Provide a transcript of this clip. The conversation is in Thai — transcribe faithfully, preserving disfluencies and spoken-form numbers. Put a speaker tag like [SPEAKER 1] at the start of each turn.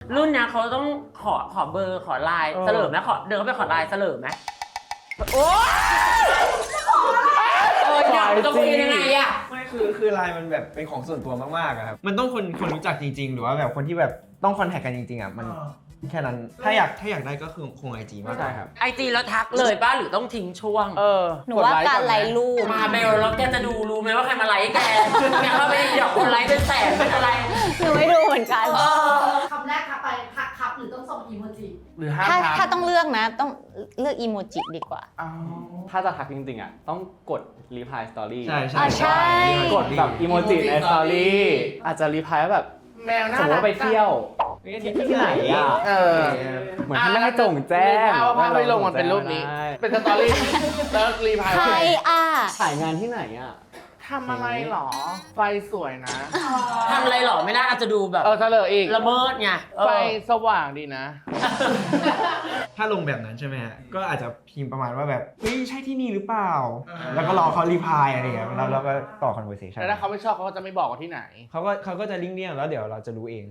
[SPEAKER 1] รุ่นเนี้ยเขาต้องขอขอเบอร์ขอไลน์เสลิมไหมขอเดินเข้าไปขอไลน์เสลิมไหมโอ้ยเอออยากจะคุยยังไงอะ
[SPEAKER 2] ไม่คือคือไลน์มันแบบเป็นของส่วนตัวมากๆอะครับมันต้องคนคนรู้จักจริงๆหรือว่าแบบคนที่แบบต้องคอนแทคกันจริงๆอ่ะมันแค่นั้นถ้าอยากถ้าอยากได้ก็คือคงไอจีมากกว่าครับ
[SPEAKER 1] ไอจีแล้วทักเลยป่ะหรือต้องทิ้งช่วง
[SPEAKER 3] เออ
[SPEAKER 4] หนูว่าการไลค์รูป
[SPEAKER 1] มาเบลแล้วแกจะดูรู้ไหมว่าใครมาไลค์แกแกเข้าไปเดี๋ยวคนไลค์เป็นแสนเป็นอะไร
[SPEAKER 4] หนูไม่ดูเหมือนกัน
[SPEAKER 5] คำแรกทักไปทักครับหรือต้องส่งอีโมจิ
[SPEAKER 3] หรือห้าม
[SPEAKER 4] ถ้า
[SPEAKER 3] ทัก
[SPEAKER 4] ถ้าต้องเลือกนะ ต้องเลือกอีโมจิดีกว่า
[SPEAKER 3] อ๋อ
[SPEAKER 6] ถ้าจะทักจริงๆอ่ะต้องกด reply story
[SPEAKER 2] ใช่
[SPEAKER 4] อ่ะใช่
[SPEAKER 6] กดแบบอีโมจิใน story อาจจะ reply ว่าแบบ
[SPEAKER 3] แมวน่า
[SPEAKER 6] สมมติว่าไปเที่ยว ที่ไหนอ่ะ
[SPEAKER 3] เออ
[SPEAKER 6] เหมือนที่ไม่ให้จงแจ้ง
[SPEAKER 3] ถ้าว่าภาพไม่ลงมันเป็นรูปนี้
[SPEAKER 6] ได้
[SPEAKER 3] เป็นสตอรี่แล้วรีพาย
[SPEAKER 4] ใครอ่ะ
[SPEAKER 6] ถ่ายงานที่ไหนอ่ะ
[SPEAKER 3] ทำอะไรหรอ ไฟสวยนะ
[SPEAKER 1] ทำอะไรหรอไม่ได้อาจจะดูแบบ
[SPEAKER 3] เออเฉลยอีก
[SPEAKER 1] ละเมิดไงเออ
[SPEAKER 3] ไฟสว่างดีนะ
[SPEAKER 2] ถ้าลงแบบนั้นใช่ไหมฮะก็อาจจะพิมพ์ประมาณว่าแบบเฮ้ยใช่ที่นี่หรือเปล่า แล้วก็รอเขารีพายอะไรอย่างเงี้ยแล้วเราก็ต่อ conversation
[SPEAKER 3] แต่ถ้าเขาไม่ชอบเขาก็จะไม่บอกว่าที่ไหน
[SPEAKER 2] เขาก็เขาก็จะลิงก์เนี่ยแล้วเดี๋ยวเราจะรู้เอง